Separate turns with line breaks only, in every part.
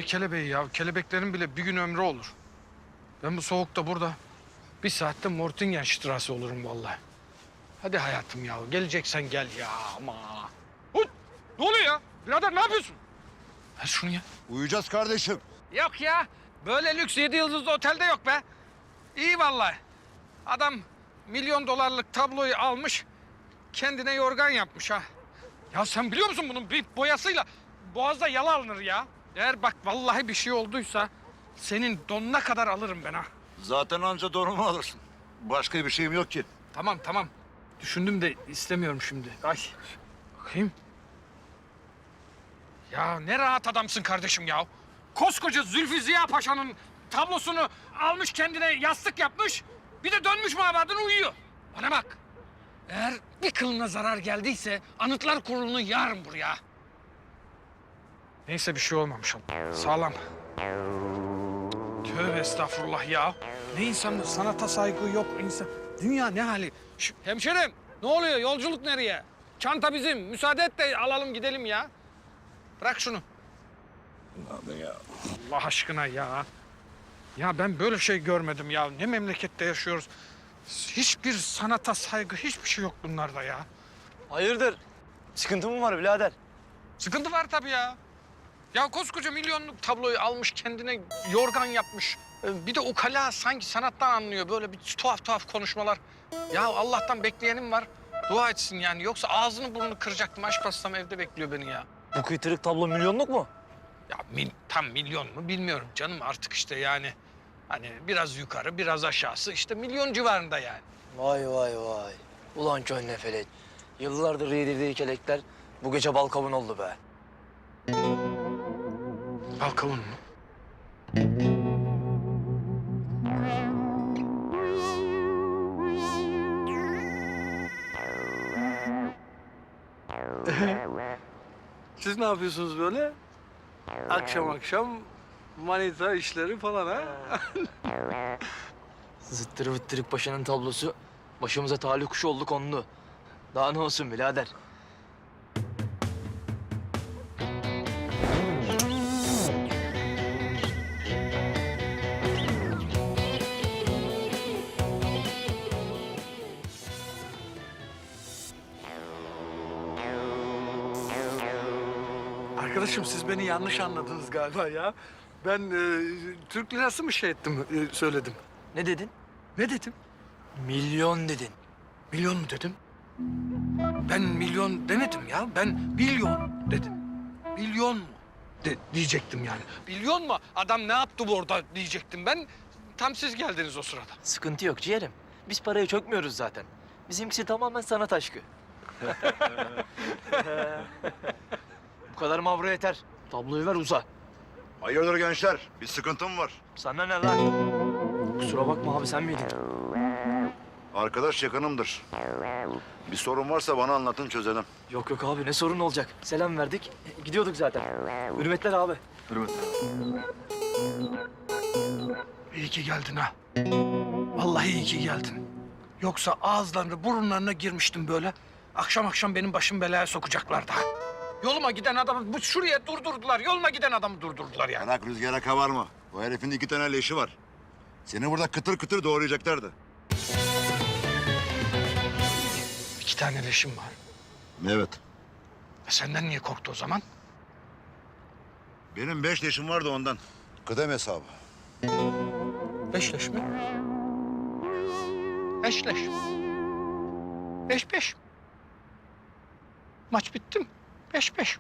kelebeği ya? Kelebeklerin bile bir gün ömrü olur. Ben bu soğukta burada bir saatte Mortingen olurum vallahi. Hadi hayatım ya. Geleceksen gel ya ama. Hut! Ne oluyor ya? Birader ne yapıyorsun? Ver şunu ya.
Uyuyacağız kardeşim.
Yok ya. Böyle lüks 7 yıldızlı otelde yok be. İyi vallahi. Adam milyon dolarlık tabloyu almış, kendine yorgan yapmış ha. Ya sen biliyor musun bunun bir boyasıyla boğazda yala alınır ya. Eğer bak vallahi bir şey olduysa senin donuna kadar alırım ben ha.
Zaten anca donumu alırsın. Başka bir şeyim yok ki.
Tamam tamam. Düşündüm de istemiyorum şimdi. Ay. Bakayım. Ya ne rahat adamsın kardeşim ya. Koskoca Zülfü Ziya Paşa'nın tablosunu almış kendine yastık yapmış. Bir de dönmüş mabadına uyuyor. Bana bak. Eğer bir kılına zarar geldiyse Anıtlar Kurulu'nu yarın buraya. Neyse bir şey olmamış. Sağlam. Tövbe estağfurullah ya. Ne insanlık, sanata saygı yok insan. Dünya ne hali? Hemşerim ne oluyor? Yolculuk nereye? Çanta bizim. Müsaade et de alalım gidelim ya. Bırak şunu.
Abi ya.
Allah aşkına ya. Ya ben böyle şey görmedim ya. Ne memlekette yaşıyoruz. Hiçbir sanata saygı, hiçbir şey yok bunlarda ya.
Hayırdır? Sıkıntı mı var birader?
Sıkıntı var tabii ya. Ya koskoca milyonluk tabloyu almış kendine yorgan yapmış. Bir de ukala sanki sanattan anlıyor böyle bir tuhaf tuhaf konuşmalar. Ya Allah'tan bekleyenim var. Dua etsin yani. Yoksa ağzını burnunu kıracaktım. Aşk hastam evde bekliyor beni ya.
Bu kıytırık tablo milyonluk mu?
Ya tam milyon mu bilmiyorum canım artık işte yani. Hani biraz yukarı biraz aşağısı işte milyon civarında yani.
Vay vay vay. Ulan könle felek. Yıllardır yedirdiği kelekler bu gece bal kavun oldu be.
Balkavun mu?
Siz ne yapıyorsunuz böyle? Akşam akşam manita işleri falan ha?
Zıttırı vıttırık paşanın tablosu başımıza talih kuşu oldu kondu. Daha ne olsun birader?
Arkadaşım siz beni yanlış anladınız galiba ya. Ben Türk lirası mı şey ettim, söyledim.
Ne dedin?
Ne dedim?
Milyon dedin.
Milyon mu dedim? Ben milyon demedim ya. Ben milyon dedim. Milyon mu diyecektim yani. Milyon mu? Adam ne yaptı bu orada diyecektim ben. Tam siz geldiniz o sırada.
Sıkıntı yok ciğerim. Biz parayı çökmüyoruz zaten. Bizimkisi tamamen sanat aşkı. Bu kadar mavra yeter. Tabloyu ver uza.
Hayırdır gençler? Bir sıkıntım var.
Sana ne lan? Kusura bakma abi sen miydin?
Arkadaş yakınımdır. Bir sorun varsa bana anlatın çözelim.
Yok yok abi ne sorun olacak? Selam verdik. Gidiyorduk zaten. Hürmetler abi.
İyi ki geldin ha. Vallahi iyi ki geldin. Yoksa ağızlarını burunlarına girmiştim böyle. Akşam akşam benim başım belaya sokacaklardı ha. Yoluma giden adamı bu şuraya durdurdular. Yoluma giden adamı durdurdular yani.
Bırak rüzgara kavarma. O herifin 2 tane leşi var. Seni burada kıtır kıtır doğrayacaklardı.
2 tane leşim var.
Evet.
Senden niye korktu o zaman?
Benim 5 leşim vardı ondan. Kıdem hesabı.
5 leş mi? 5 leş. 5-5. Maç bitti mi? 5-5.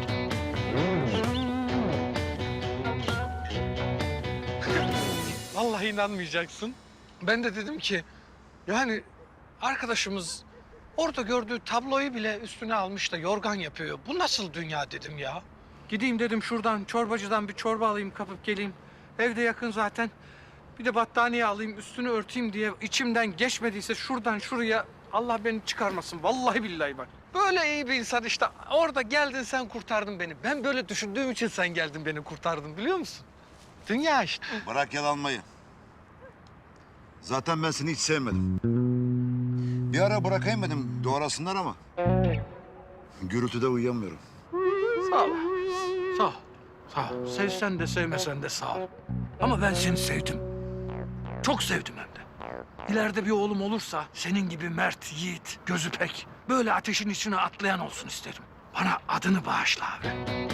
Vallahi inanmayacaksın. Ben de dedim ki yani arkadaşımız orada gördüğü tabloyu bile üstüne almış da yorgan yapıyor. Bu nasıl dünya dedim ya. Gideyim dedim şuradan çorbacıdan bir çorba alayım kapıp geleyim. Evde yakın zaten. Bir de battaniye alayım üstünü örteyim diye içimden geçmediyse şuradan şuraya Allah beni çıkarmasın. Vallahi billahi bak. Böyle iyi bir insan işte. Orada geldin sen kurtardın beni. Ben böyle düşündüğüm için sen geldin beni kurtardın biliyor musun? Dünya işte.
Bırak yalanmayı. Zaten ben seni hiç sevmedim. Bir ara bırakayım dedim doğrasınlar ama. Gürültüde uyuyamıyorum.
Sağ ol. Sağ ol. Sağ ol. Sevsen de sevmesen de sağ ol. Ama ben seni sevdim. Çok sevdim hem de. İleride bir oğlum olursa senin gibi mert, yiğit, gözü pek, böyle ateşin içine atlayan olsun isterim. Bana adını bağışla abi.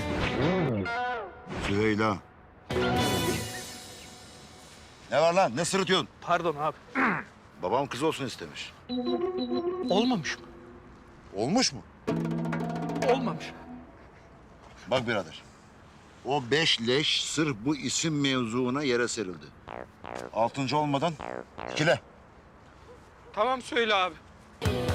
Süheyla. Ne var lan? Ne sırıtıyorsun?
Pardon abi.
Babam kız olsun istemiş.
Olmamış mı?
Olmuş mu?
Olmamış.
Bak birader. O 5 leş sırf bu isim mevzuuna yere serildi. 6. olmadan ikile.
Tamam söyle abi.